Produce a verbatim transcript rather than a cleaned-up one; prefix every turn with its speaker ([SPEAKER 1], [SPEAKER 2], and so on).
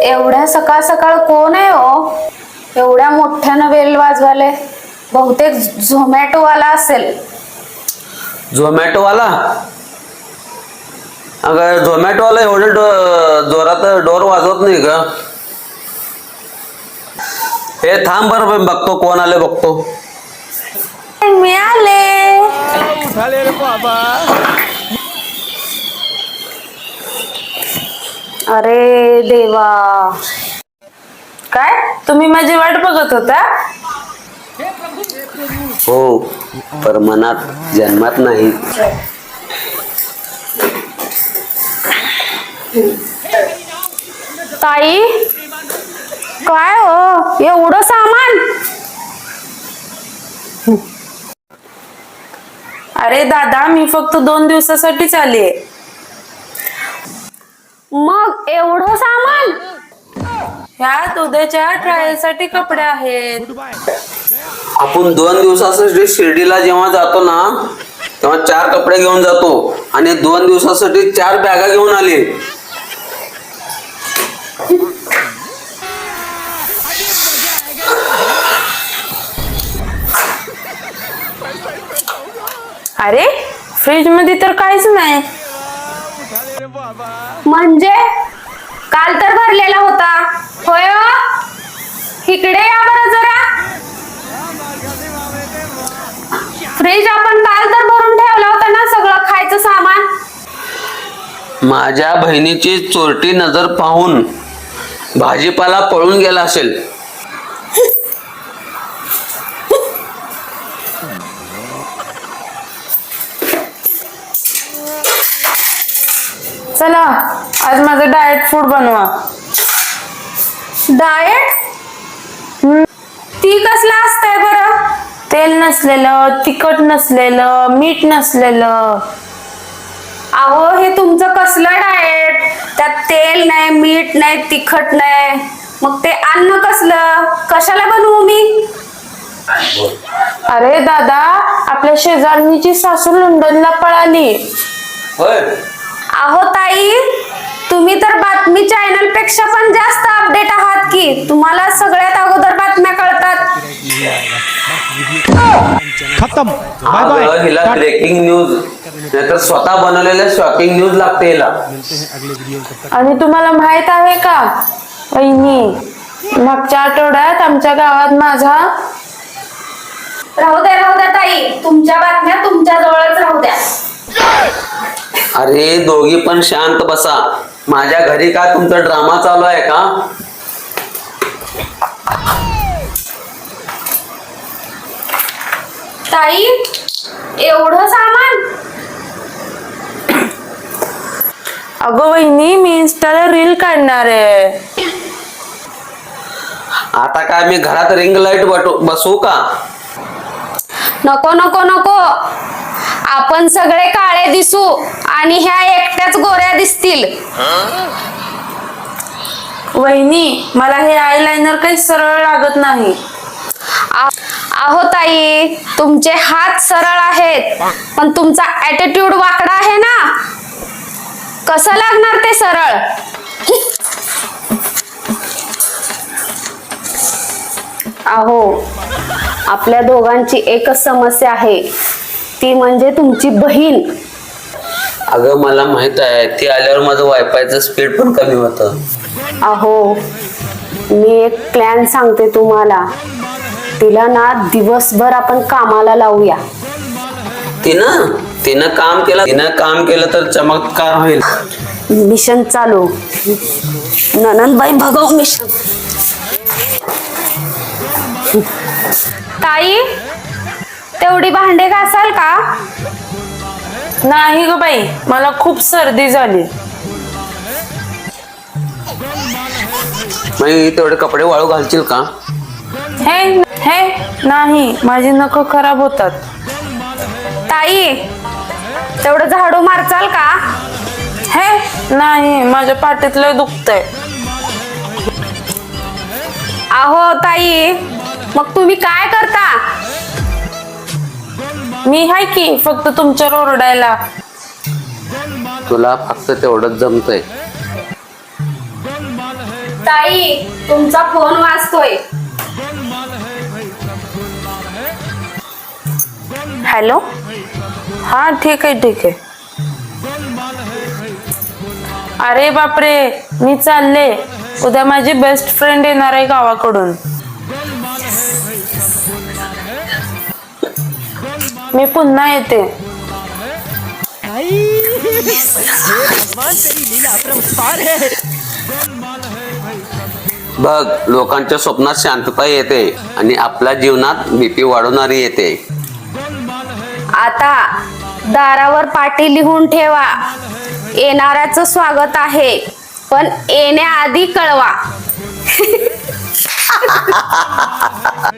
[SPEAKER 1] एवढ्या सकाळ सकाळ कोण आहे हो? एवढ्या मोठ्यानं बेल वाजवाले. बहुतेक झोमॅटो वाला असेल.
[SPEAKER 2] झोमॅटो वाला? अगं झोमॅटो वाला एवढे जोरात डोर वाजवत नाही का? हे थांब बरं बघतो कोण आले बघतो.
[SPEAKER 1] मी आले.
[SPEAKER 3] उठाले रे बाबा.
[SPEAKER 1] अरे देवा,
[SPEAKER 4] काय तुम्ही माझी वाट बघत होता?
[SPEAKER 2] हो, पर मनात जन्मात नाही.
[SPEAKER 1] ताई काय हो एवढं सामान?
[SPEAKER 4] अरे दादा, मी फक्त दोन दिवसासाठीच आले.
[SPEAKER 1] मग एवढं सामान?
[SPEAKER 4] ह्यात उद्याच्या ट्रायल साठी कपडे आहेत.
[SPEAKER 2] आपण दोन दिवसासाठी शिर्डीला जेव्हा जातो ना तेव्हा चार कपडे घेऊन जातो आणि दोन दिवसासाठी चार बॅगा घेऊन आले.
[SPEAKER 4] अरे फ्रीज मध्ये तर काहीच नाही.
[SPEAKER 1] म्हणजे काल तर भरलेला होता. होय हो? इकडे या बरं जरा. फ्रीज आपण काल तर भरून ठेवला होता ना सगळं खायचं सामान.
[SPEAKER 2] माझ्या बहिणीची चोरटी नजर पाहून भाजीपाला पळून गेला असेल.
[SPEAKER 4] चला आज माझं डाएट फूड बनवा.
[SPEAKER 1] डाएट? ती कसलं असतंय बरं?
[SPEAKER 4] तेल नसलेलं, तिखट नसलेलं, मीठ नसलेलं.
[SPEAKER 1] अहो हे तुमचं कसलं डाएट? त्यात तेल नाही, मीठ नाही, तिखट नाही. मग ते अन्न कसलं? कशाला बनवू मी?
[SPEAKER 4] अरे दादा, आपल्या शेजारणीची सासू लंडनला पळाली.
[SPEAKER 2] होय.
[SPEAKER 1] अहो ताई, तुम्ही तर बातमी चॅनल पेक्षा पण जास्त अपडेट आहात की. तुम्हाला सगळ्यात अगोदर बातम्या कळतात.
[SPEAKER 3] खत्म. बाय
[SPEAKER 2] अगं,
[SPEAKER 3] बाय.
[SPEAKER 2] हिला ब्रेकिंग न्यूज नाहीतर स्वतः बनवलेल्या शॉकिंग न्यूज लागते हिला.
[SPEAKER 4] आणि तुम्हाला माहित आहे का वहिनी, मागच्या आठवड्यात आमच्या गावात माझा
[SPEAKER 1] राहू द्या राहू द्या ताई, तुमच्या बातम्या तुमच्या जवळच राहू द्या.
[SPEAKER 2] अरे दोघी पण शांत बसा. माझ्या घरी काय तुमचा ड्रामा चालू आहे का?
[SPEAKER 1] ताई एवढं सामान?
[SPEAKER 4] अगं वहिनी, मी इंस्टाला रील काढणार आहे.
[SPEAKER 2] आता काय मी घरात रिंग लाईट बसवू का?
[SPEAKER 1] नको नको नको. आपण सगळे काळे दिसू आणि ह्या एकट्याच गोऱ्या दिसतील.
[SPEAKER 4] वहिनी, मला हे आयलाइनर काही सरळ लागत नाही.
[SPEAKER 1] अहो ताई, तुमचे हात सरळ आहेत पण तुमचा ऍटिट्यूड वाकडा आहे ना. कसं लागणार ते सरळ? अहो, आपल्या दोघांची एकच समस्या आहे, ती म्हणजे तुमची बहीण.
[SPEAKER 2] अगं मला माहित आहे, ती आल्यावर माझं वायफायचं स्पीड पण कमी होतं.
[SPEAKER 1] अहो, मी एक प्लॅन सांगते तुम्हाला. तिला ना दिवसभर आपण कामाला लावूया.
[SPEAKER 2] तिनं तिनं काम केलं तिनं काम केलं तर चमत्कार होईल.
[SPEAKER 1] मिशन चालू. ननंदबाई भगव मिशन. ताई, तेवढी भांडे घासाल का?
[SPEAKER 4] नाही ग बाई, मला खूप सर्दी झाली.
[SPEAKER 2] मग तेवढे कपडे वाळू घालशील का?
[SPEAKER 4] हे हे नाही, माझी नख खराब होतात.
[SPEAKER 1] ताई, तेवढं झाडू मारचाल का?
[SPEAKER 4] हे नाही, माझ्या पाठीत लय दुखतंय.
[SPEAKER 1] अहो ताई, मग तुम्ही काय करता?
[SPEAKER 4] मी हाय की फक्त तुमच्यावर ओरडायला.
[SPEAKER 2] तुला फक्त तेवढंच जमतंय.
[SPEAKER 1] ताई तुमचा फोन वाजतोय.
[SPEAKER 4] हॅलो. हा ठीक आहे ठीक आहे. अरे बापरे, मी चालले. उद्या माझी बेस्ट फ्रेंड येणार आहे गावाकडून. मी पुन्हा येते.
[SPEAKER 2] बघ, लोकांच्या स्वप्नात शांतता येते आणि आपल्या जीवनात भीती वाढवणारी येते.
[SPEAKER 1] आता दारावर पाटी लिहून ठेवा. येणाऱ्याचं स्वागत आहे, पण येण्याआधी कळवा.